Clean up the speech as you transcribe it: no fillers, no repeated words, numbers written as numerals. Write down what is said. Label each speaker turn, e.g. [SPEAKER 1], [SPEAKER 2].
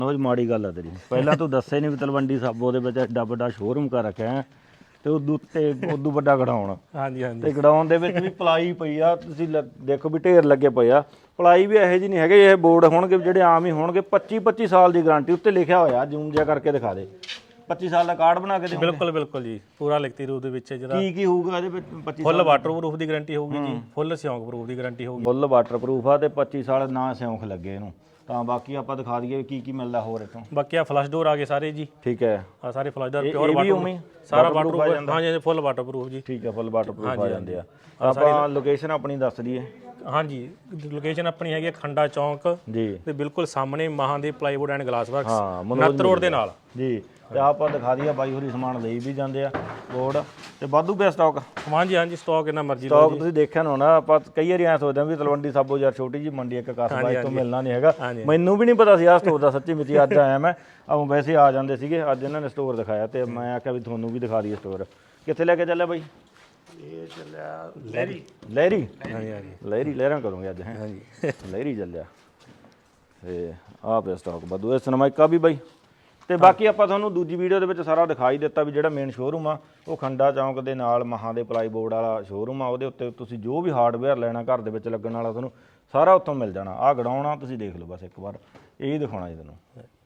[SPEAKER 1] ਉਹ ਮਾੜੀ ਗੱਲ ਆ ਤੇਰੀ। ਪਹਿਲਾਂ ਤੂੰ ਦੱਸੇ ਨਹੀਂ ਵੀ ਤਲਵੰਡੀ ਸਾਬੋ ਦੇ ਵਿੱਚ ਐਡਾ ਵੱਡਾ ਸ਼ੋਰੂਮ ਕਰ ਰੱਖਿਆ ਹੈ ਤੇ ਉਦੋਂ ਵੱਡਾ ਗੜਾਉਣ।
[SPEAKER 2] ਹਾਂਜੀ ਹਾਂਜੀ।
[SPEAKER 1] ਤੇ ਗੜਾਉਣ ਦੇ ਵਿੱਚ ਵੀ ਪਲਾਈ ਪਈ ਆ, ਤੁਸੀਂ ਦੇਖੋ ਵੀ ਢੇਰ ਲੱਗੇ ਪਏ ਆ। ਪਲਾਈ ਵੀ ਇਹੋ ਜਿਹੀ ਨਹੀਂ ਹੈਗੇ, ਇਹ ਬੋਰਡ ਹੋਣਗੇ ਜਿਹੜੇ ਆਮ ਹੀ ਹੋਣਗੇ। 25 ਸਾਲ ਦੀ ਗਾਰੰਟੀ ਉੱਤੇ ਲਿਖਿਆ ਹੋਇਆ, ਜ਼ੂਮ ਜਿਹਾ ਕਰਕੇ ਦਿਖਾ ਦੇ। 25 ਸਾਲ ਦਾ ਕਾਰਡ ਬਣਾ ਕੇ ਦੇ।
[SPEAKER 2] ਬਿਲਕੁਲ ਬਿਲਕੁਲ ਜੀ, ਪੂਰਾ ਲਿਖਤੀ ਰੂਪ ਦੇ ਵਿੱਚ ਜਿਹੜਾ
[SPEAKER 1] ਕੀ ਹੋਊਗਾ ਇਹਦੇ ਵਿੱਚ? 25
[SPEAKER 2] ਫੁੱਲ ਵਾਟਰਪ੍ਰੂਫ ਦੀ ਗਾਰੰਟੀ ਹੋਊਗੀ ਜੀ, ਫੁੱਲ ਸਿਉਂਕ ਪ੍ਰੂਫ ਦੀ ਗਾਰੰਟੀ ਹੋਊਗੀ।
[SPEAKER 1] ਫੁੱਲ ਵਾਟਰਪ੍ਰੂਫ ਆ ਤੇ 25 ਸਾਲ ਨਾ ਸਿਉਂਖ ਲੱਗੇ ਇਹਨੂੰ। ਤਾਂ ਬਾਕੀ ਆਪਾਂ ਦਿਖਾ ਦਈਏ ਕੀ ਮਿਲਦਾ ਹੋਰ ਇੱਥੋਂ।
[SPEAKER 2] ਬਾਕੀ ਆ ਫਲਸ਼ ਡੋਰ ਆ ਗਏ ਸਾਰੇ ਜੀ।
[SPEAKER 1] ਠੀਕ ਹੈ,
[SPEAKER 2] ਆ ਸਾਰੇ ਫਲਸ਼ ਡੋਰ ਪਿਓਰ ਵਾਟਰਪ੍ਰੂਫ, ਸਾਰਾ ਵਾਟਰਪ੍ਰੂਫ। ਹਾਂਜੀ ਫੁੱਲ ਵਾਟਰਪ੍ਰੂਫ ਜੀ।
[SPEAKER 1] ਠੀਕ ਹੈ, ਫੁੱਲ ਵਾਟਰਪ੍ਰੂਫ ਆ ਜਾਂਦੇ ਆ। ਆਪਾਂ ਲੋਕੇਸ਼ਨ ਆਪਣੀ ਦੱਸ ਦਈਏ।
[SPEAKER 2] ਹਾਂਜੀ, ਲੋਕੇਸ਼ਨ ਆਪਣੀ ਹੈਗੀ ਖੰਡਾ ਚੌਂਕ
[SPEAKER 1] ਜੀ
[SPEAKER 2] ਤੇ ਬਿਲਕੁਲ ਸਾਹਮਣੇ Mahadev plywood and glass works,
[SPEAKER 1] ਹਾਂ,
[SPEAKER 2] ਨੱਤ ਰੋਡ ਦੇ ਨਾਲ
[SPEAKER 1] ਜੀ। ਤੇ ਆਪਾਂ ਦਿਖਾ ਦਈਏ, ਬਾਈ ਹੋਰੀ ਸਮਾਨ ਲਈ ਵੀ ਜਾਂਦੇ ਆ ਬੋਰਡ ਤੇ ਵਾਧੂ ਪਿਆ ਸਟਾਕ।
[SPEAKER 2] ਹਾਂਜੀ ਹਾਂਜੀ, ਸਟਾਕ ਇੰਨਾ ਮਰਜ਼ੀ ਲਓ
[SPEAKER 1] ਸਟਾਕ ਤੁਸੀਂ ਦੇਖਿਆ ਨਾ ਹੋਣਾ। ਆਪਾਂ ਕਈ ਵਾਰੀ ਐਂ ਸੋਚਦੇ ਆ ਵੀ ਤਲਵੰਡੀ ਸਾਬੋ ਯਾਰ ਛੋਟੀ ਜੀ ਮੰਡੀ ਇੱਕ ਕਸਬਾ, ਤੋਂ ਮਿਲਣਾ ਨਹੀਂ ਹੈਗਾ। ਮੈਨੂੰ ਵੀ ਨਹੀਂ ਪਤਾ ਸੀ ਆਹ ਸਟੋਰ ਦਾ, ਸੱਚੀ ਮੁੱਚੀ ਅੱਜ ਆਇਆ ਮੈਂ। ਵੈਸੇ ਆ ਜਾਂਦੇ ਸੀਗੇ, ਅੱਜ ਇਹਨਾਂ ਨੇ ਸਟੋਰ ਦਿਖਾਇਆ ਤੇ ਮੈਂ ਆਖਿਆ ਵੀ ਤੁਹਾਨੂੰ ਵੀ ਦਿਖਾ ਦਈਏ ਸਟੋਰ। ਕਿੱਥੇ ਲੈ ਕੇ ਚੱਲਿਆ ਬਾਈ?
[SPEAKER 2] ਇਹ ਚੱਲਿਆ ਲਹਿਰੀ।
[SPEAKER 1] ਲਹਿਰੀ?
[SPEAKER 2] ਹਾਂਜੀ ਹਾਂਜੀ,
[SPEAKER 1] ਲਹਿਰਾਂ ਕਰੋਗੇ ਅੱਜ? ਹੈ ਹਾਂਜੀ, ਲਹਿਰੀ ਚੱਲਿਆ। ਤੇ ਆਹ ਪਿਆ ਸਟਾਕ ਵਾਧੂ। ਇਹ ਸਨਮਾਈਕਾ ਵੀ ਬਾਈ। ਤੇ ਬਾਕੀ ਆਪਾਂ ਤੁਹਾਨੂੰ ਦੂਜੀ ਵੀਡੀਓ ਦੇ ਵਿੱਚ ਸਾਰਾ ਦਿਖਾਈ ਦਿੱਤਾ ਵੀ ਜਿਹੜਾ ਮੇਨ ਸ਼ੋਰੂਮ ਆ ਉਹ ਖੰਡਾ ਚੌਂਕ ਦੇ ਨਾਲ ਮਹਾਂ ਦੇ ਪਲਾਈ ਬੋਰਡ ਵਾਲਾ ਸ਼ੋਰੂਮ ਆ। ਉਹਦੇ ਉੱਤੇ ਤੁਸੀਂ ਜੋ ਵੀ ਹਾਰਡਵੇਅਰ ਲੈਣਾ ਘਰ ਦੇ ਵਿੱਚ ਲੱਗਣ ਵਾਲਾ ਤੁਹਾਨੂੰ ਸਾਰਾ ਉੱਥੋਂ ਮਿਲ ਜਾਣਾ। ਆਹ ਗੜਾਉਣਾ ਤੁਸੀਂ ਦੇਖ ਲਓ ਬਸ ਇੱਕ ਵਾਰ, ਇਹ ਦਿਖਾਉਣਾ ਜੀ ਤੁਹਾਨੂੰ।